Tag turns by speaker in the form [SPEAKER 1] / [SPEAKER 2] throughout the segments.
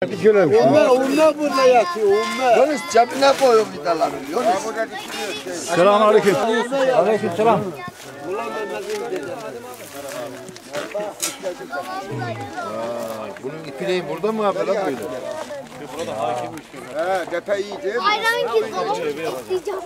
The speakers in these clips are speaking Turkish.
[SPEAKER 1] Onlar burada yatıyor.
[SPEAKER 2] Yunus cebine koyun vidaları. Yunus.
[SPEAKER 3] Selamünaleyküm.
[SPEAKER 1] Aleykümselam.
[SPEAKER 2] Bunun ipineği burada mı abi lan böyle?
[SPEAKER 3] Burada hakim üstü.
[SPEAKER 2] He, depe iyi değil mi?
[SPEAKER 4] Ayran ki isteyeceğim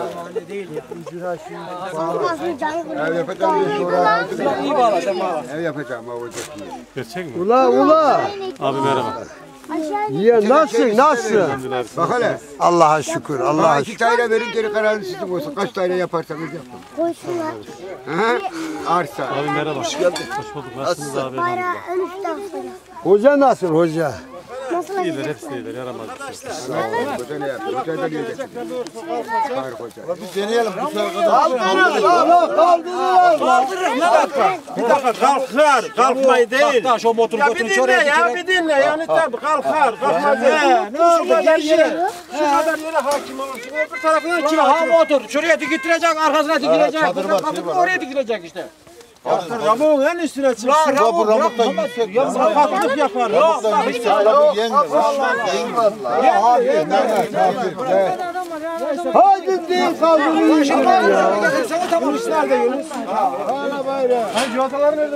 [SPEAKER 2] Ev yapacağım diye sonra
[SPEAKER 1] İyi bağla, bağla.
[SPEAKER 2] ev yapacağım olacak diye.
[SPEAKER 3] Gerçek mi?
[SPEAKER 1] Ula.
[SPEAKER 3] Abi merhaba.
[SPEAKER 1] Ya nasıl?
[SPEAKER 2] Bak hele.
[SPEAKER 1] Allah'a şükür, Allah'a
[SPEAKER 2] İki daire verin geri kararını sizin olsun. Kaç daire yaparsanız yapın.
[SPEAKER 4] Koysunlar.
[SPEAKER 2] He? Arsa.
[SPEAKER 3] Abi merhaba. Hoş geldin. Hoş bulduk. Nasılsınız abi?
[SPEAKER 4] Bayrağı ölüşten sonra.
[SPEAKER 1] Hoca nasıl hoca?
[SPEAKER 4] Nasıl
[SPEAKER 3] İyiler, hepsi iyiler. Yaramaz bir şey.
[SPEAKER 2] Hoca ne yapıyor? Hoca da gelecek. Tarık Hoca.
[SPEAKER 1] Bir deneyelim bu sefer kadar. Kaldırın.
[SPEAKER 5] Bir dakika kalkar, kalkmayı değil.
[SPEAKER 1] Taş o motor
[SPEAKER 5] Ya bir dinle ya, bir dinle. Yani tabii kalkar, kalkmaz değil. Şu kadar yere, şu kadar yere hakim olursun. Öbür tarafına kim hakim
[SPEAKER 1] motor. Şuraya dikilecek, arkasına dikilecek. Oraya dikilecek işte.
[SPEAKER 5] Ramuğun en üstüne çıksın.
[SPEAKER 1] Ramukta yüksek.
[SPEAKER 5] Ya sakatlık yapar. Yok.
[SPEAKER 1] Hadi değil kaldırın.
[SPEAKER 5] Sana tamam işler de Yunus.
[SPEAKER 1] Hala bayrağı.
[SPEAKER 5] Hani civatalar nerede?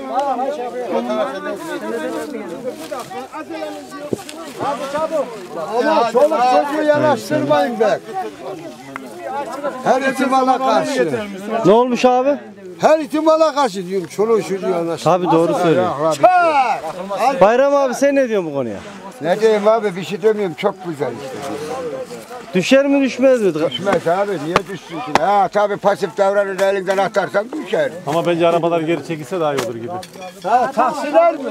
[SPEAKER 1] Ama çoluk çocuğu yanaştırmayın be. Her ihtimala karşı.
[SPEAKER 6] Ne olmuş abi?
[SPEAKER 1] Her ihtimala karşı diyorum. Çoluk çocuğu yanaştır.
[SPEAKER 6] Tabii doğru söylüyor. Bayram abi sen ne diyorsun bu konuya?
[SPEAKER 2] Ne diyeyim abi, bir şey demiyorum, çok güzel işte.
[SPEAKER 6] Düşer mi düşmez mi?
[SPEAKER 2] Düşmez abi, niye düşsün ki? Ha tabii pasif davranır, elinden atarsan düşer.
[SPEAKER 3] Ama bence arabalar geri çekilse daha iyi olur gibi.
[SPEAKER 1] Taksiler mi?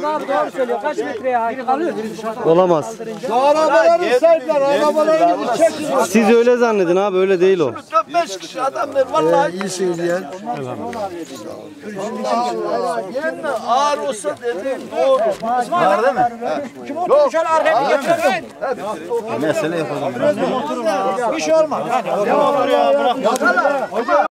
[SPEAKER 6] Olamaz.
[SPEAKER 1] Şu arabaları serdiler. Arabaları gidip çekin.
[SPEAKER 6] Siz öyle zannedin abi, öyle değil o.
[SPEAKER 5] 5 kişi adamlar vallahi.
[SPEAKER 1] İyi söyleyen.
[SPEAKER 5] Yerine ağır olsa dedim doğru. Var değil mi? Kim oturur şöyle arkaya getirin.
[SPEAKER 3] Mesele yapalım.
[SPEAKER 5] Bir şey olmaz. Hadi. Ne olur ya bırak.